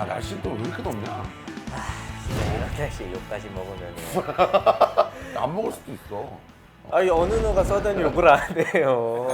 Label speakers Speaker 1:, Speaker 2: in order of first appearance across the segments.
Speaker 1: 날씨 또 왜 이렇게 덥냐?
Speaker 2: 이런 날씨에 욕까지 먹으면
Speaker 1: 안 먹을 수도 있어.
Speaker 2: 아니 어느 누가 써든 욕을 안 해요.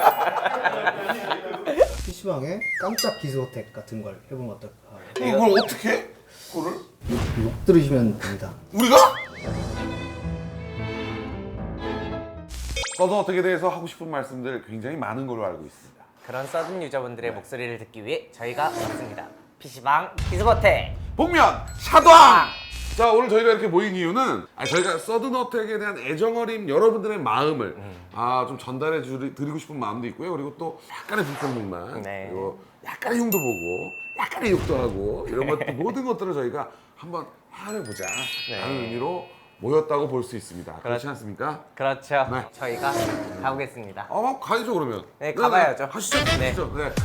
Speaker 3: PC방에 깜짝 기스어택 같은 걸 해보면 어떨까?
Speaker 1: 그걸 어떻게 해? 그거를?
Speaker 3: 욕 들으시면 됩니다.
Speaker 1: 우리가? 서든어택에 대해서 하고 싶은 말씀들 굉장히 많은 걸로 알고 있습니다.
Speaker 2: 그런 써든 유저분들의 목소리를 듣기 위해 저희가 왔습니다. PC방 기스버텍
Speaker 1: 복면 샤도왕! 자, 오늘 저희가 이렇게 모인 이유는 저희가 서든어택에 대한 애정어린 여러분들의 마음을 좀 전달해 드리고 싶은 마음도 있고요. 그리고 또 약간의 불평등만,
Speaker 2: 네.
Speaker 1: 그리고 약간의 흉도 보고 약간의 욕도 하고 이런 것들 모든 것들을 저희가 한번 헤아려보자 라는 의미로 모였다고 볼 수 있습니다. 그렇지 않습니까?
Speaker 2: 그렇죠.
Speaker 1: 네.
Speaker 2: 저희가 가보겠습니다.
Speaker 1: 가야죠 그러면.
Speaker 2: 네, 가봐야죠.
Speaker 1: 하시죠.
Speaker 2: 네.
Speaker 1: 하시죠. 네.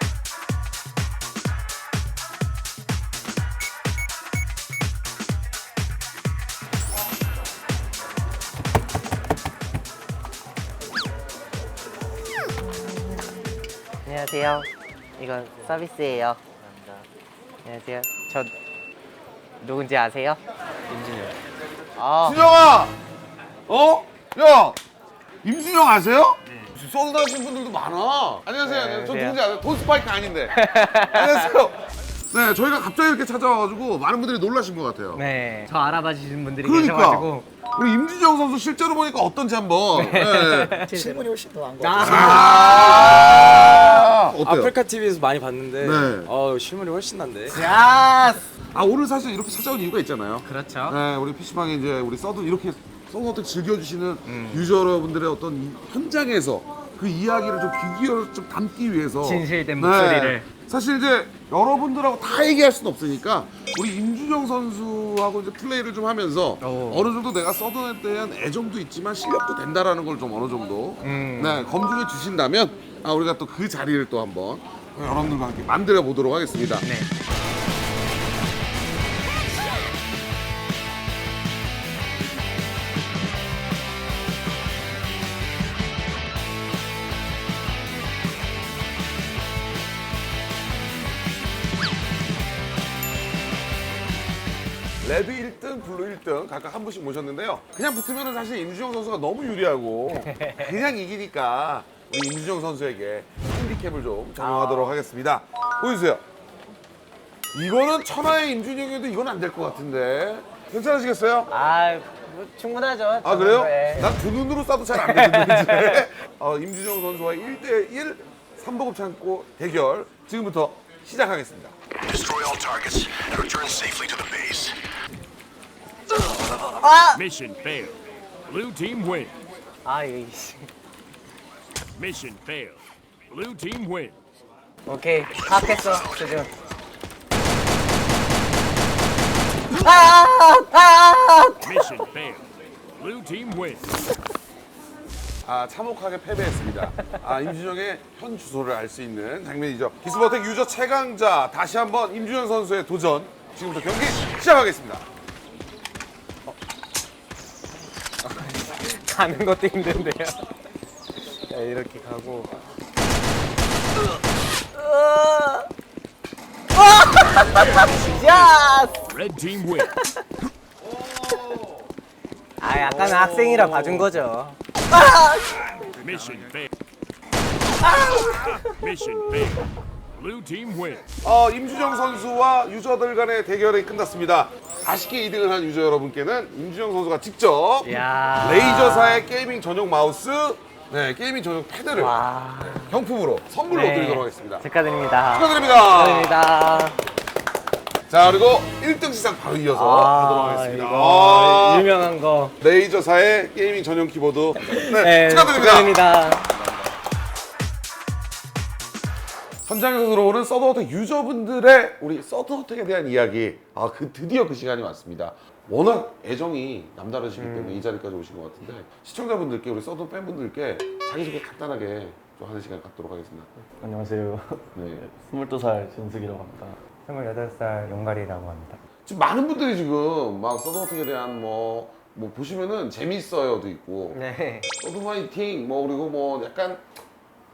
Speaker 2: 안녕하세요. 이건 서비스예요. 안녕하세요. 저 누군지 아세요? 임진영.
Speaker 1: 준영아! 야! 임준영 아세요? 서든 하신 분들도 많아. 안녕하세요.
Speaker 2: 네,
Speaker 1: 저
Speaker 2: 안녕하세요.
Speaker 1: 누군지 아세요? 돈 스파이크 아닌데. 안녕하세요. 네, 저희가 갑자기 이렇게 찾아와가지고 많은 분들이 놀라신 것 같아요.
Speaker 2: 네. 저 알아봐 주시는 분들이
Speaker 1: 그러니까
Speaker 2: 계셔가지고.
Speaker 1: 우리 임준영 선수 실제로 보니까 어떤지 한번. 네.
Speaker 4: 실물이 훨씬 더 나은 것
Speaker 2: 아,
Speaker 4: 같아요.
Speaker 1: 어때요?
Speaker 4: 아프리카 TV에서 많이 봤는데
Speaker 1: 네.
Speaker 4: 실물이 훨씬 난데.
Speaker 2: 야!
Speaker 1: 오늘 사실 이렇게 찾아온 이유가 있잖아요.
Speaker 2: 그렇죠.
Speaker 1: 네, 우리 PC방에 이제 우리 이렇게 서든어택 즐겨주시는 유저 여러분들의 어떤 이 현장에서 그 이야기를 좀 귀 기울여 좀 담기 위해서
Speaker 2: 진실된 목소리를.
Speaker 1: 사실 이제 여러분들하고 다 얘기할 수는 없으니까 우리 임준영 선수하고 이제 플레이를 좀 하면서 어느 정도 내가 서든에 대한 애정도 있지만 실력도 된다라는 걸 좀 어느 정도 네, 검증해 주신다면 우리가 또 그 자리를 또 한번 여러분들과 함께 만들어 보도록 하겠습니다.
Speaker 2: 네.
Speaker 1: 레드 1등, 블루 1등 각각 한 분씩 모셨는데요. 그냥 붙으면 사실 임준영 선수가 너무 유리하고 그냥 이기니까 우리 임준영 선수에게 핸디캡을 좀 적용하도록 하겠습니다. 보여주세요. 이거는 천하의 임준영이어도 이건 안 될 것 같은데 괜찮으시겠어요?
Speaker 2: 뭐 충분하죠.
Speaker 1: 그래요?
Speaker 2: 네.
Speaker 1: 난 두 눈으로 쏴도 잘 안 되는데 임준영 선수와의 1대1 3보급 창고 대결 지금부터 시작하겠습니다.
Speaker 5: Destroy all targets and return safely to the base.
Speaker 6: Mission failed. Blue team win.
Speaker 2: 이씨.
Speaker 6: Mission failed. Blue team win.
Speaker 2: 오케이. 파악했어. 수준.
Speaker 6: Mission failed. Blue team win.
Speaker 1: 참혹하게 패배했습니다. 임준영의 현 주소를 알 수 있는 장면이죠. 기스버텍 유저 최강자 다시 한번 임준영 선수의 도전 지금부터 경기 시작하겠습니다.
Speaker 2: 가는 것도 힘든데요. 자, 이렇게 가고. 야!
Speaker 6: Red team win.
Speaker 2: 약간 학생이라 봐준 거죠.
Speaker 6: Mission failed. Mission failed. Blue team win.
Speaker 1: 임준영 선수와 유저들 간의 대결이 끝났습니다. 아쉽게 2등을 한 유저 여러분께는 임준영 선수가 직접
Speaker 2: 야.
Speaker 1: 레이저사의 게이밍 전용 마우스, 게이밍 전용 패드를
Speaker 2: 와.
Speaker 1: 경품으로 선물로
Speaker 2: 네.
Speaker 1: 드리도록 하겠습니다.
Speaker 2: 축하드립니다.
Speaker 1: 축하드립니다.
Speaker 2: 축하드립니다.
Speaker 1: 자, 그리고 1등 시상 바로 이어서 하도록 하겠습니다.
Speaker 2: 이거 유명한 거.
Speaker 1: 레이저사의 게이밍 전용 키보드.
Speaker 2: 네, 축하드립니다.
Speaker 1: 현장에서 들어오는 서든어택 유저분들의 우리 서든어택에 대한 이야기. 드디어 그 시간이 왔습니다. 워낙 애정이 남다르시기 때문에 이 자리까지 오신 것 같은데 시청자분들께 우리 서든 팬분들께 자기소개 간단하게 좀 하는 시간 갖도록 하겠습니다.
Speaker 7: 안녕하세요.
Speaker 1: 네.
Speaker 7: 22살 진숙이라고 합니다.
Speaker 2: 28살 용가리라고 합니다.
Speaker 1: 지금 많은 분들이 지금 막 서든어택에 대한 뭐 보시면은 재밌어요도 있고
Speaker 2: 네.
Speaker 1: 서든 화이팅 그리고 약간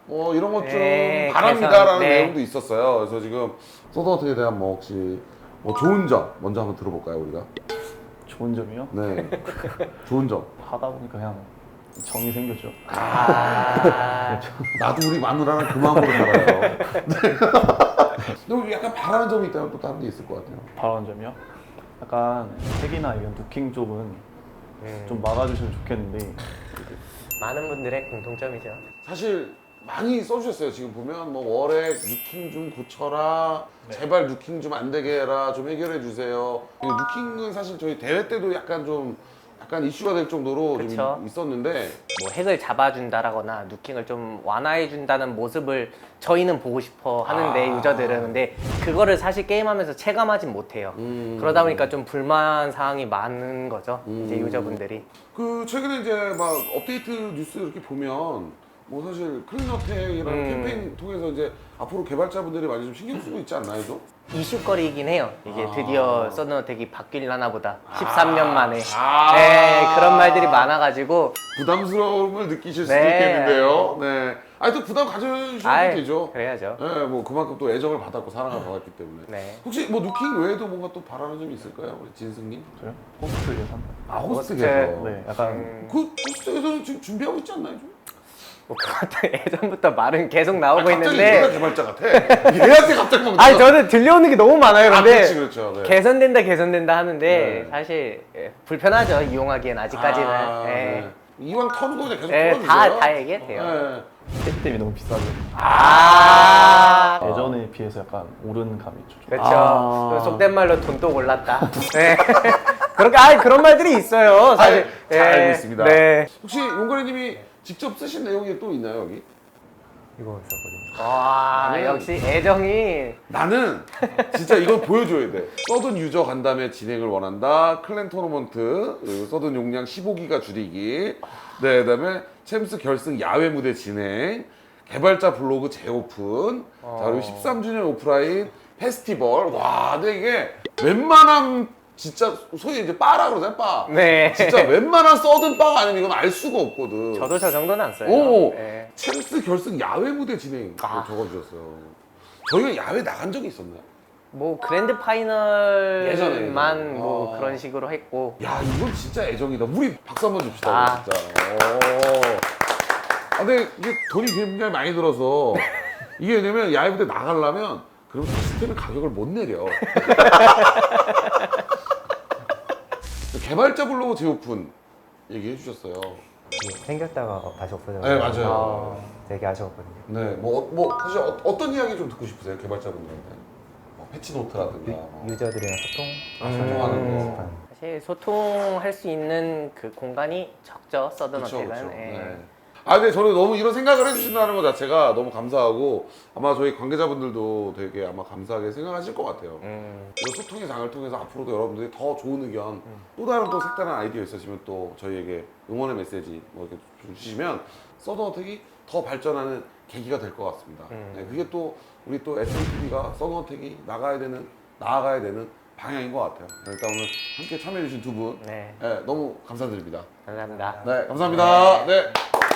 Speaker 1: 이런 것 좀
Speaker 2: 네,
Speaker 1: 바랍니다라는
Speaker 2: 네.
Speaker 1: 내용도 있었어요. 그래서 지금 서든어택에 대한 뭐 혹시 뭐 좋은 점 먼저 한번 들어볼까요 우리가?
Speaker 7: 좋은 점이요?
Speaker 1: 네, 좋은 점.
Speaker 7: 하다 보니까 그냥 정이 생겼죠.
Speaker 2: 아,
Speaker 1: 나도 우리 마누라랑 그 마음으로 살아요. 네. 근데 약간 바라는 점이 있다면 또 다른 게 있을 것 같아요.
Speaker 7: 바라는 점이요? 약간 택이나 이런 누킹 쪽은 좀 막아주시면 좋겠는데
Speaker 2: 많은 분들의 공통점이죠.
Speaker 1: 사실 많이 써주셨어요. 지금 보면 뭐 월액 누킹 좀 고쳐라, 제발 누킹 좀 안 되게 해라, 좀 해결해 주세요. 누킹은 사실 저희 대회 때도 약간 이슈가 될 정도로
Speaker 2: 그쵸.
Speaker 1: 좀 있었는데
Speaker 2: 뭐 핵을 잡아준다라거나 누킹을 좀 완화해준다는 모습을 저희는 보고 싶어 하는데 유저들은 근데 그거를 사실 게임하면서 체감하진 못해요. 그러다 보니까 좀 불만 사항이 많은 거죠. 이제 유저분들이.
Speaker 1: 그 최근에 이제 막 업데이트 뉴스 이렇게 보면 뭐 사실 클린어택이라는 캠페인 통해서 이제 앞으로 개발자분들이 많이 좀 신경 쓰고 있지 않나요, 좀?
Speaker 2: 이슈거리이긴 해요. 이게 드디어 서든어택이 바뀔라나 보다. 13년 만에.
Speaker 1: 아.
Speaker 2: 네, 그런 말들이 많아가지고.
Speaker 1: 부담스러움을 느끼실 수도
Speaker 2: 네.
Speaker 1: 있겠는데요. 네. 아니 또 부담 가져주셔도
Speaker 2: 아이,
Speaker 1: 되죠.
Speaker 2: 그래야죠.
Speaker 1: 네, 뭐 그만큼 또 애정을 받았고 사랑을 받았기 때문에.
Speaker 2: 네.
Speaker 1: 혹시 뭐 누킹 외에도 뭔가 또 바라는 점이 있을까요, 우리 진승님?
Speaker 7: 저요? 호스트 예산?
Speaker 1: 아
Speaker 2: 호스트.
Speaker 7: 네, 약간
Speaker 1: 그 호스트에서는 지금 준비하고 있지 않나요, 좀?
Speaker 2: 뭐 그것도 예전부터 말은 계속 나오고
Speaker 1: 갑자기 얘가
Speaker 2: 있는데.
Speaker 1: 개발자 같아. 얘한테 갑자기 막.
Speaker 2: 아니 저는 들려오는 게 너무 많아요.
Speaker 1: 아,
Speaker 2: 근데
Speaker 1: 그렇죠. 네.
Speaker 2: 개선된다 하는데
Speaker 1: 네.
Speaker 2: 사실 불편하죠. 이용하기엔 아직까지는.
Speaker 1: 아,
Speaker 2: 네.
Speaker 1: 네. 이왕 터는 거 그냥 계속
Speaker 2: 네,
Speaker 1: 풀어주세요.
Speaker 2: 다 얘기해도 돼요.
Speaker 1: 네.
Speaker 7: 시스템이 너무 비싸죠.
Speaker 2: 아.
Speaker 7: 예전에 비해서 약간 오른 감이 있죠. 좀.
Speaker 2: 그렇죠. 그 속된 말로 돈 또 올랐다. 네. 그렇게 그런 말들이 있어요. 사실.
Speaker 1: 잘 알고 있습니다.
Speaker 2: 네.
Speaker 1: 혹시 용거리님이 직접 쓰신 내용이 또 있나요, 여기?
Speaker 2: 이거 있었거든요. 와, 역시 애정이.
Speaker 1: 나는 진짜 이걸 보여줘야 돼. 서든 유저 간담회 진행을 원한다. 클랜 토너먼트, 그리고 서든 용량 15기가 줄이기. 네, 그다음에 챔스 결승 야외 무대 진행. 개발자 블로그 재오픈. 자, 그리고 13주년 오프라인 페스티벌. 와, 근데 이게 웬만한 진짜 소위 이제 바라 그러잖아요, 바.
Speaker 2: 네.
Speaker 1: 진짜 웬만한 서든 바가 아니면 이건 알 수가 없거든.
Speaker 2: 저도 저 정도는 안 써요.
Speaker 1: 오,
Speaker 2: 네.
Speaker 1: 챔스 결승 야외 무대 진행 적어주셨어요. 저희가 야외 나간 적이 있었나요?
Speaker 2: 뭐 그랜드
Speaker 1: 예전에.
Speaker 2: 파이널만 뭐
Speaker 1: 아.
Speaker 2: 그런 식으로 했고.
Speaker 1: 야, 이건 진짜 애정이다. 우리 박수 한번 줍시다.
Speaker 2: 아.
Speaker 1: 진짜. 근데 이게 돈이 굉장히 많이 들어서 이게 왜냐면 야외 무대 나가려면 그럼 시스템의 가격을 못 내려. 개발자 블로그 재오픈 얘기해 주셨어요.
Speaker 8: 생겼다가 다시 없어져서
Speaker 1: 네, 맞아요.
Speaker 8: 되게 아쉬웠거든요.
Speaker 1: 네, 뭐 사실 어떤 이야기 좀 듣고 싶으세요, 개발자분들한테? 뭐 패치 노트라든가. 뭐.
Speaker 8: 유저들이랑
Speaker 1: 소통하는 거.
Speaker 8: 습관.
Speaker 2: 사실 소통할 수 있는 그 공간이 적죠. 서든어택은.
Speaker 1: 그쵸.
Speaker 2: 예.
Speaker 1: 네. 아, 근데 저는 너무 이런 생각을 해주신다는 것 자체가 너무 감사하고 아마 저희 관계자분들도 되게 아마 감사하게 생각하실 것 같아요. 이 소통의 장을 통해서 앞으로도 여러분들이 더 좋은 의견, 또 다른 또 색다른 아이디어 있으시면 또 저희에게 응원의 메시지 뭐 이렇게 주시면 서든어택이 더 발전하는 계기가 될 것 같습니다. 네, 그게 또 우리 또 SATV가 서든어택이 나아가야 되는 방향인 것 같아요. 네, 일단 오늘 함께 참여해주신 두 분,
Speaker 2: 네.
Speaker 1: 네, 너무 감사드립니다.
Speaker 2: 감사합니다.
Speaker 1: 네, 감사합니다. 네.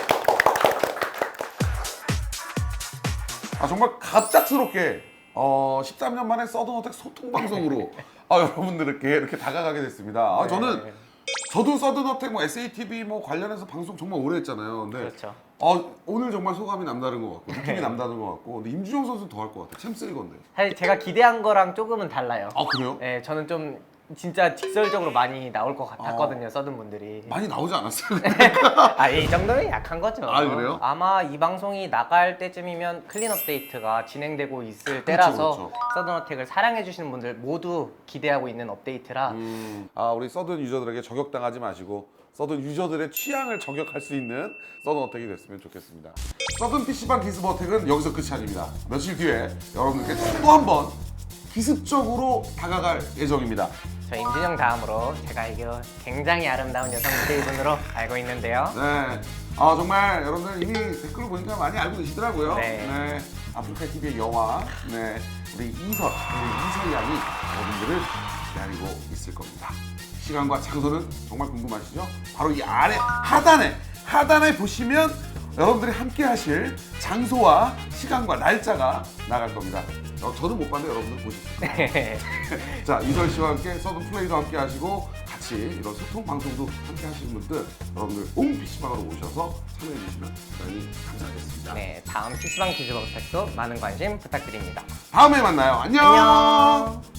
Speaker 1: 아, 정말 갑작스럽게 13년 만에 서든어택 소통 방송으로 여러분들께 이렇게 다가가게 됐습니다. 저도 서든어택 뭐 SATV 뭐 관련해서 방송 정말 오래 했잖아요. 근데
Speaker 2: 그렇죠.
Speaker 1: 오늘 정말 소감이 남다른 것 같고 느낌이 남다른 것 같고 근데 임준영 선수 더 할 것 같아. 챔스일 건데.
Speaker 2: 사실 제가 기대한 거랑 조금은 달라요.
Speaker 1: 아, 그래요?
Speaker 2: 네, 저는 좀 진짜 직설적으로 많이 나올 것 같았거든요. 서든 분들이.
Speaker 1: 많이 나오지 않았어요?
Speaker 2: 이 정도면 약한 거죠.
Speaker 1: 아, 그래요?
Speaker 2: 아마 이 방송이 나갈 때쯤이면 클린 업데이트가 진행되고 있을 때라서
Speaker 1: 그렇죠.
Speaker 2: 서든어택을 사랑해 주시는 분들 모두 기대하고 있는 업데이트라
Speaker 1: 우리 서든 유저들에게 저격당하지 마시고 서든 유저들의 취향을 저격할 수 있는 서든어택이 됐으면 좋겠습니다. 서든 PC방 기습어택은 여기서 끝이 아닙니다. 며칠 뒤에 여러분들께 또 한 번 기습적으로 다가갈 예정입니다.
Speaker 2: 저 임진영 다음으로 제가 알기로 굉장히 아름다운 여성 DJ분으로 알고 있는데요.
Speaker 1: 네. 정말 여러분들 이미 댓글을 보니까 많이 알고 계시더라고요.
Speaker 2: 네.
Speaker 1: 아프리카 TV의 여왕, 우리 이설 양이 여러분들을 기다리고 있을 겁니다. 시간과 장소는 정말 궁금하시죠? 바로 이 아래 하단에 보시면 여러분들이 함께 하실 장소와 시간과 날짜가 나갈 겁니다. 저는 못 봤는데 여러분들 보십시오. 자, 이설 씨와 함께 서든 플레이도 함께 하시고 같이 이런 소통 방송도 함께 하시는 분들 여러분들 온 PC방으로 오셔서 참여해 주시면 대단히 감사하겠습니다.
Speaker 2: 네, 다음 PC방 기즈버스택도 많은 관심 부탁드립니다.
Speaker 1: 다음에 만나요. 안녕.
Speaker 2: 안녕.